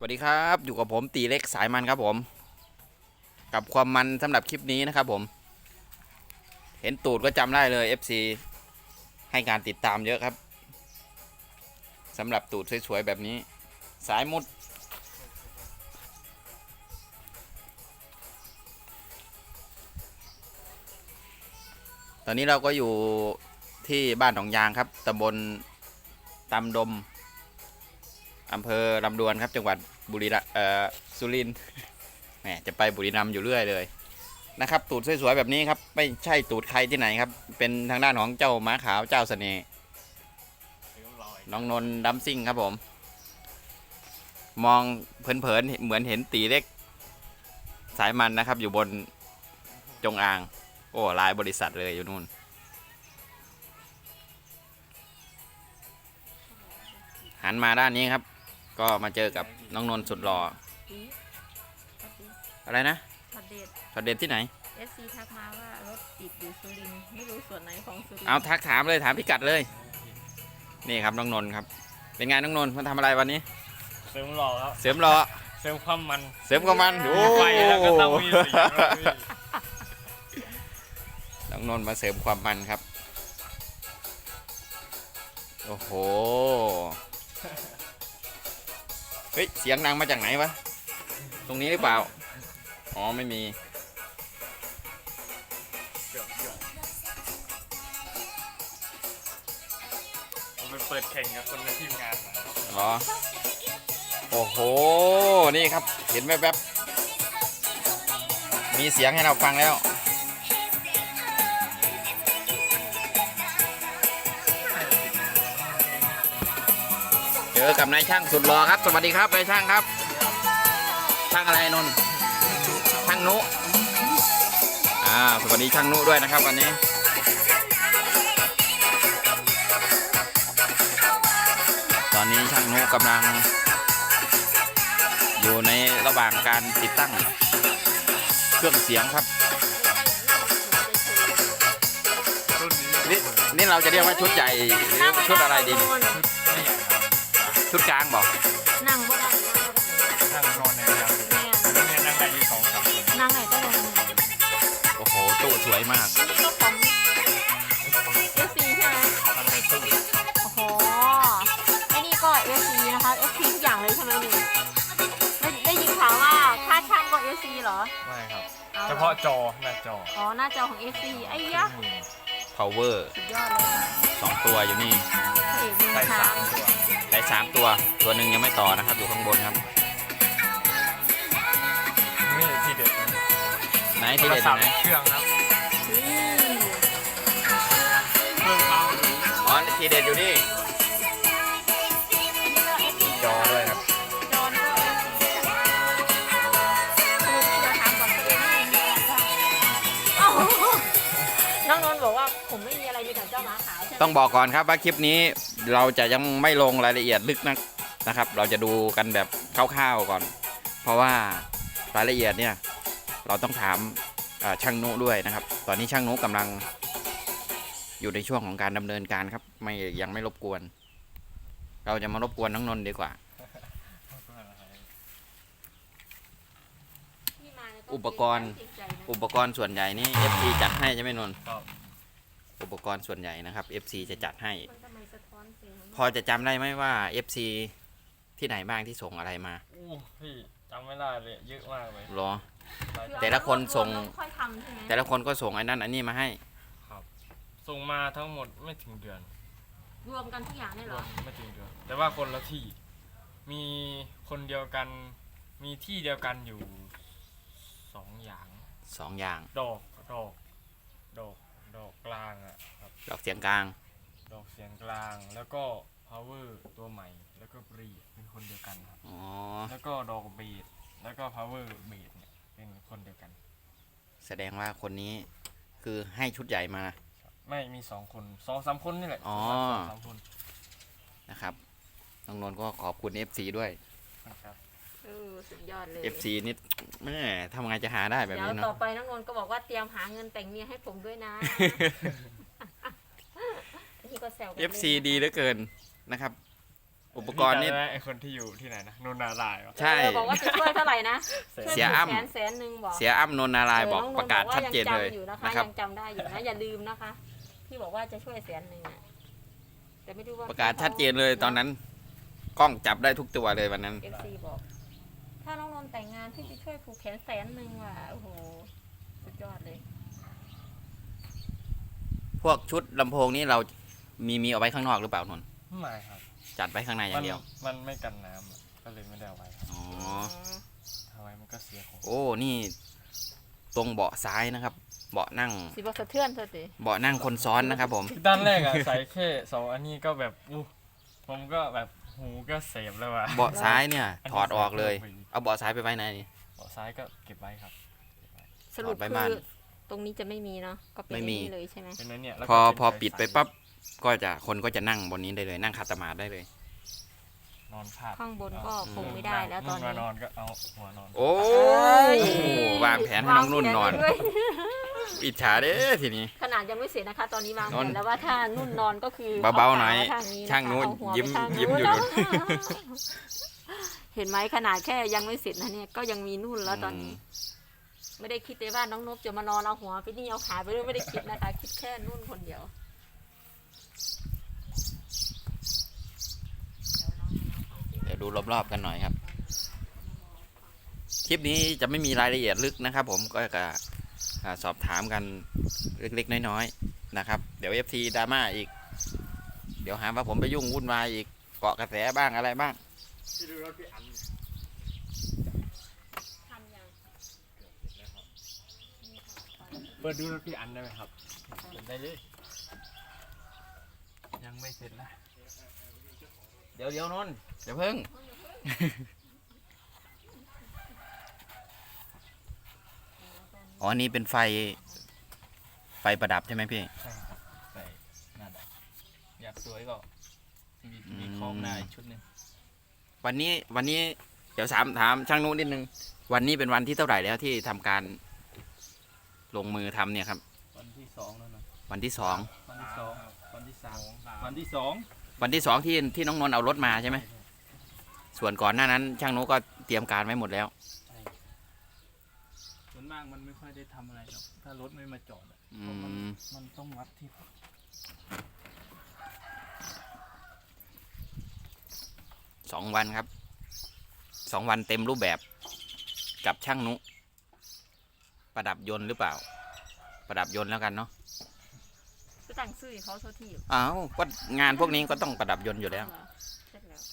วัสดีครับอยู่กับผมตีเล็กสายมันครับผมกับความมันสำหรับคลิปนี้นะครับผมเห็นตูดก็จำได้เลย FC ให้การติดตามเยอะครับสำหรับตูดสวยๆแบบนี้สายมุดตอนนี้เราก็อยู่ที่บ้านหนองยางครับตำบลตำดมอำเภอลำดวนครับจังหวัดสุรินทร์แหมจะไปบุรีรัมย์อยู่เรื่อยเลยนะครับตูดสวยๆแบบนี้ครับไม่ใช่ตูดใครที่ไหนครับเป็นทางด้านของเจ้าม้าขาวเจ้าเสน่ห์น้องนนท์ดัมซิ่งครับผมมองเผินๆเหมือนเห็นตีเล็กสายมันนะครับอยู่บนจงอางโอ้ลายบริษัทเลยอยู่นู่นหันมาด้านนี้ครับก็มาเจอกับน้องนนท์สุดหล่ออะไรนะช็อตเด็ดช็อตเด็ดที่ไหน FC ทักมาว่ารถติดอยู่สุรินทร์ไม่รู้ส่วนไหนของสุรินทร์เอาทักถามเลยถามพิกัดเลยนี่ครับน้องนนท์ครับเป็นไงน้องนนท์มาทำอะไรวันนี้เสริมหล่อครับเสริมหล่อเสริมความมันเสริมความมันโอ้ไฟแล้วก็ต้องมีสีน้องนนท์มาเสริมความมันครับโอ้โหเฮ้ยเสียงดังมาจากไหนวะตรงนี้หรือเปล่าอ๋อไม่มีผมไปเปิดแข่งกับคนในทีมงานเหรอโอ้โหนี่ครับเห็นแวบๆมีเสียงให้เราฟังแล้วเจอกับนายช่างสุดหล่อครับสวัสดีครับนายช่างครับช่างอะไรนนท์ช่างนุสวัสดีช่างนุด้วยนะครับวันนี้ตอนนี้ช่างนุกำลังอยู่ในระหว่างการติดตั้งเครื่องเสียงครับนี่เราจะเรียกว่าชุดใหญ่หรือชุดอะไรดีชุดกลางบอกนั่งบ่ได้นั่งนอนในแล้วเนี่ยนั่งได้ที่2-3คนนั่งไหนก็ลงโอ้โหตู้สวยมากนี่ก็ของ FC ใช่ไหมทำในตู้โอ้โหไอ้นี่ก็ FC นะคะ FC ทุกอย่างเลยใช่ไหมนี่ได้ยินข่าวว่าค่าช่างก็ FC เหรอไม่ครับเฉพาะจอหน้าจออ๋อหน้าจอของ FC ไอ้ยะ power สุดยอดเลย 2ตัวอยู่นี่ใช้3ตัวใช้3ตัวหนึ่งยังไม่ต่อนะครับอยู่ข้างบนครับนี่ทีเด็ดไหนที่เด็ดไหนเครื่องครับเครื่องอ๋อที่เด็ดอยู่นี่จอด้วยครับจอนก็จะถามก่อนน้องนนท์บอกว่าผมไม่มีอะไรมีแต่เจ้าหมาขาวใช่ไหมต้องบอกก่อนครับว่าคลิปนี้เราจะยังไม่ลงรายละเอียดลึกนะครับเราจะดูกันแบบคร่าวๆก่อนเพราะว่ารายละเอียดเนี่ยเราต้องถามช่างนุด้วยนะครับตอนนี้ช่างนุกำลังอยู่ในช่วงของการดำเนินการครับยังไม่รบกวนเราจะมารบกวนน้องนนท์ดีกว่าอุปกรณ์ส่วนใหญ่นี่ FC จัดให้ใช่ไหมนนท์อุปกรณ์ส่วนใหญ่นะครับ FC จะจัดให้พอจะจำได้ไหมว่า FC ที่ไหนบ้างที่ส่งอะไรมาพี่จำไม่ได้เลยเยอะมากเลยหรอแต่ละคนส่งแต่ละคนก็ส่งไอ้นั่นอันนี้มาให้ครับส่งมาทั้งหมดไม่ถึงเดือนรวมกันทุกอย่างได้หรอไม่ถึงเดือนแต่ว่าคนละที่มีคนเดียวกันมีที่เดียวกันอยู่2 อย่างดอกกลางอ่ะครับดอกเสียงกลางดอกเสียงกลางแล้วก็ power ตัวใหม่แล้วก็บรีเป็นคนเดียวกันครับแล้วก็ดอกเบสแล้วก็ power เบสเนี่ยเป็นคนเดียวกันแสดงว่าคนนี้คือให้ชุดใหญ่มาไม่มี2 คน 2-3 คนนี่แหละ2-3 คนนะครับน้องนนท์ก็ขอบคุณ FC ด้วยครับสุดยอดเลย FC นี่แม่ทำไงจะหาได้แบบนี้เนาะเดี๋ยวต่อไปน้องนนท์ก็บอกว่าเตรียมหาเงินแต่งเมียให้ผมด้วยนะนี่ก็แซวกัน FC ดีเหลือเกินนะครับอุปกรณ์นี่พี่จำได้ไอคนที่อยู่ที่ไหนนะนนนารายณ์วะใช่บอกว่าจะช่วยเท่าไหร่นะเสียอ้ำแสนหนึ่งบอกเสียอ้ำนนท์นารายณ์บอกน้งประกาศชัดเจนเลยบอกว่ายังจำอยู่นะคะนะครับยังจำได้อยู่นะอย่าลืมนะคะที่บอกว่าจะช่วย100,000น่ะแต่ไม่รู้ว่าประกาศชัดเจนเลยตอนนั้น กล้องจับได้ทุกตัวเลยวันนั้นเอฟซีบอก ถ้าน้องนนท์แต่งงานพี่จะช่วยผูกแขน100,000ว่ะโอ้โหสุดยอดเลยพวกชุดลำโพงนี้เรามีเอาไว้ข้างนอกหรือเปล่านนท์ไม่ครับจัดไว้ข้างในอย่างเดียวมันไม่กันน้ำอะก็เลยไม่ได้เอาไว้ครับอ๋อถ้าไว้มันก็เสียของโอ้นี่ตรงเบาะซ้ายนะครับ เบาะนั่งสิบอกสะเทือนเธอสิเบาะนั่งคนซ้อนนะครับผมด้านแรกอะใส่แค่2อันนี้ก็แบบผมก็แบบหูก็เสพแล้วว่ะเบาะซ้ายเนี่ยถอดออกเลยไปเอาเบาะซ้ายไปไว้ไหนนี่เบาะซ้ายก็เก็บไว้ครับสรุปถอดไปคืบ้านอตรงนี้จะไม่มีเนาะก็เป็นไม่มีอย่างนี้เลยใช่ไหมเป็นนั้นเนี่ยแล้วพอก็เป็นพอปิดไปสายปั๊บก็จะคนก็จะนั่งบนนี้ได้เลย นั่งขัดสมาธิได้เลยนอนพาดข้างบนก็คงไม่ได้แล้วตอนมานี้นอนก็เอาหัวนอนโอ้ยวางแผนให้น้องนุ่นนอนวางแผไว้ด้วยอิจฉาเด้อทีนี้ขนาดยังไม่เสร็จนะคะ ตอนนี้วางแผนอนนแล้วว่าถ้านุ่นนอนก็คือเบาๆหน่อยเขขมช่างนู้นเอาหัวยิ้มไปทางยิ้มอยู่นู้นู่นเห็นไหมขนาดแค่ยังไม่เสร็จนะเนี่ยก็ยังมีนุ่นแล้วตอนนี้ ไม่ได้คิดเลยว่าน้องนบจะมานอนเอาหัวไปนี่เอาขาไปด้วยไม่ได้คิดนะคะ คิดแค่นุ่นคนเดียวเดี๋ยวดูรอบๆกันหน่อยครับ คลิปนี้จะไม่มีรายละเอียดลึกนะครับ ผมก็จะสอบถามกันเล็กๆน้อยๆนะครับ เดี๋ยว FT ดราม่าอีก เดี๋ยวหาว่าผมไปยุ่งวุ่นวายอีกเกาะกระแสบ้างอะไรบ้างที่ดูรถพี่อันทำยังเปิดดูรถพี่อันได้ไหมครับเปิดได้เลยยังไม่เสร็จนะเดี๋ยวนนท์เดี๋ยวเพิ่ง อ๋ออันนี้เป็นไฟประดับใช่ไหมพี่ใช่ครับใส่นั่นแหละอยากสวยก็มีอืมมีคล้องหน้าอีกชุดหนึงวันนี้เดี๋ยวถามช่างนู้นนิดนึง วันนี้เป็นวันที่เท่าไหร่แล้วที่ทำการลงมือทำเนี่ยครับวันที่สองแล้วนะวันที่สองวันที่สองวันที่สามสามวันที่สองวันที่สองที่น้องนนท์เอารถมาใช่ไหมส่วนก่อนหน้านั้น ช่างนู้นก็เตรียมการไว้หมดแล้วใช่ส่วนมากมันไม่ค่อยได้ทำอะไรหรอกถ้ารถไม่มาจอดอะอืเพราะมันมมันต้องวัดที่ 2 วันครับ 2 วันเต็มรูปแบบกับช่างนุประดับยนต์หรือเปล่า ประดับยนต์แล้วกันเนาะจะตั้งชื่อให้เขาโทษทีอ้าวก็งานพวกนี้ก็ต้องประดับยนต์อยู่แล้วเสร็จแล้ว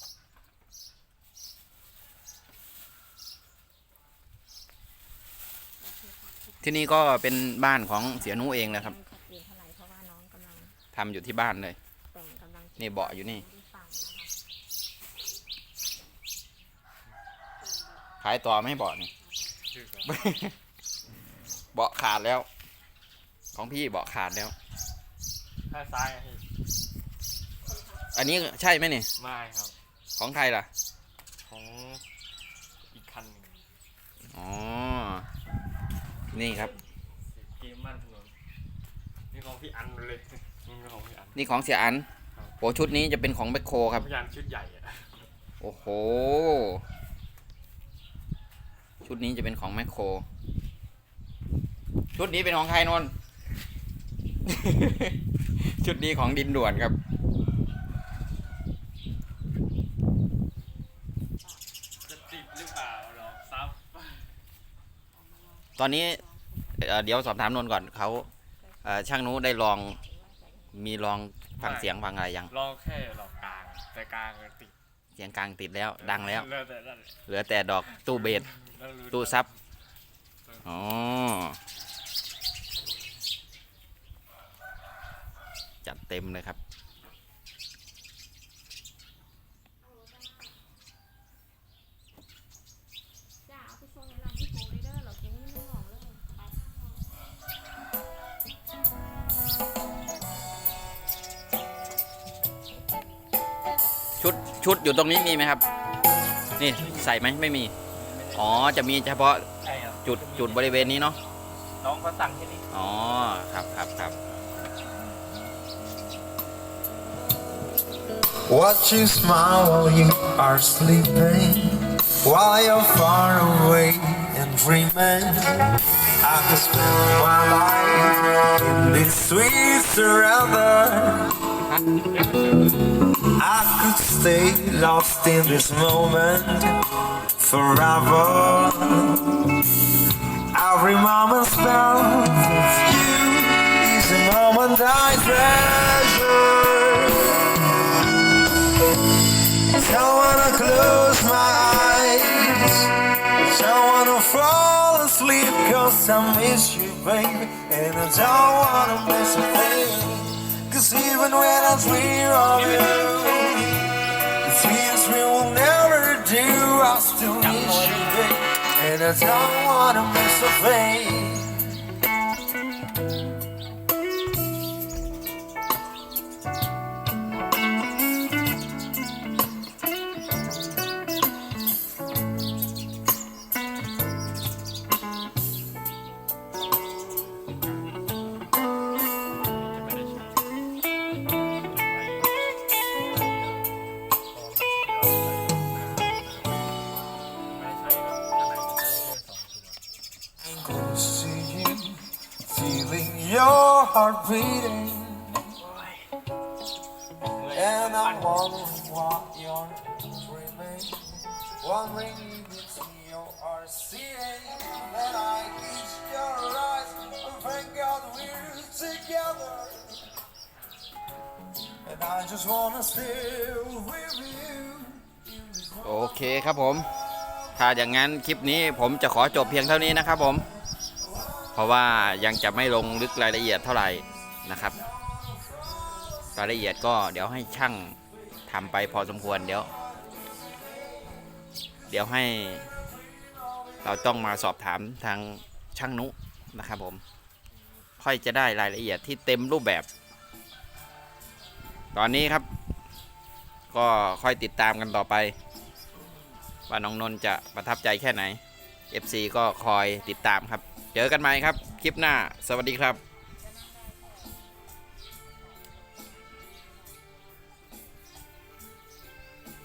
ที่นี่ก็เป็นบ้านของเสียนุเองแหละครับชัดเจนเท่าไหร่เพราะว่าน้องกำลังทำอยู่ที่บ้านเลยแต่งกำลังนี่เบาะอยู่นี่ที่ฟังนะคะขายต่อไม่ให้เบาะนี่ เบาะขาดแล้ว ของพี่เบาะขาดแล้วข้างซ้ายอะพี่อันนี้ใช่ไหมนี่ไม่ครับของใครล่ะของอีกคันหนึ่งอ๋อ นี่ครับเกมบ้านถนนนี่ของพี่อันเลยนี่เป็นของพี่อันนี่ของเสียอันครับโอ้ชุดนี้จะเป็นของแบคโคครับพี่อันชุดใหญ่อะโอ้โห ชุดนี้จะเป็นของแมคโคร ชุดนี้เป็นของใครนนท์ ชุดนี้ของดินด่วนครับจะติดหรือเปล่าหรอซับตอนนี้เดี๋ยวสอบถามนนท์ก่อนเขาช่างนู้ได้ลองมีลองฟังเสียงฟังอะไรยังลองแค่หลอกกลางแต่กลางก็ติดเสียงกลางติดแล้ว ดังแล้วแล้วแต่นั่นแหละเหลือแต่ดอกตู้เบสแล้วรู้ตู้ซับ อ๋อ จัดเต็มเลยครับจ้าเอาไปส่งในร้านที่โปรเลยเด้อเราเก็บเงินไม่หลอกเลยไปชุดอยู่ตรงนี้มีไหมครับ นี่ใส่ไหมไม่มี อ๋อ จะมีเฉพาะใช่ครับจุดบริเวณนี้เนาะน้องเขาสั่งแค่นี้อ๋อ ครับร Watch you smile while you are sleeping, while you're far away and dreaming. I could spend my life in this sweet surrender. I could stay lost in this moment forever. Every moment spent with you is a moment I treasure. Don't wanna close my eyes, don't wanna fall asleep, 'cause I miss you, baby, and I don't wanna miss a thing. 'Cause even when I dream of you, the things we will never do, I still miss you, baby, and I don't wanna miss a thing. Close to you, feeling your heart beating, and I'm wondering what you're dreaming, wondering if it's me you are seeing. And I kiss your eyes, and thank God we're together, and I just wanna stay with you. โอเคครับผม ถ้าอย่างนั้นคลิปนี้ผมจะขอจบเพียงเท่านี้นะครับผม เพราะว่ายังจะไม่ลงลึกรายละเอียดเท่าไหร่นะครับ รายละเอียดก็เดี๋ยวให้ช่างทำไปพอสมควรเดี๋ยวให้เราต้องมาสอบถามทางช่างนุนะครับผม ค่อยจะได้รายละเอียดที่เต็มรูปแบบ ตอนนี้ครับ ก็ค่อยติดตามกันต่อไป ว่าน้องนนท์จะประทับใจแค่ไหน FC ก็คอยติดตามครับ เจอกันใหม่ครับ คลิปหน้า สวัสดีครับ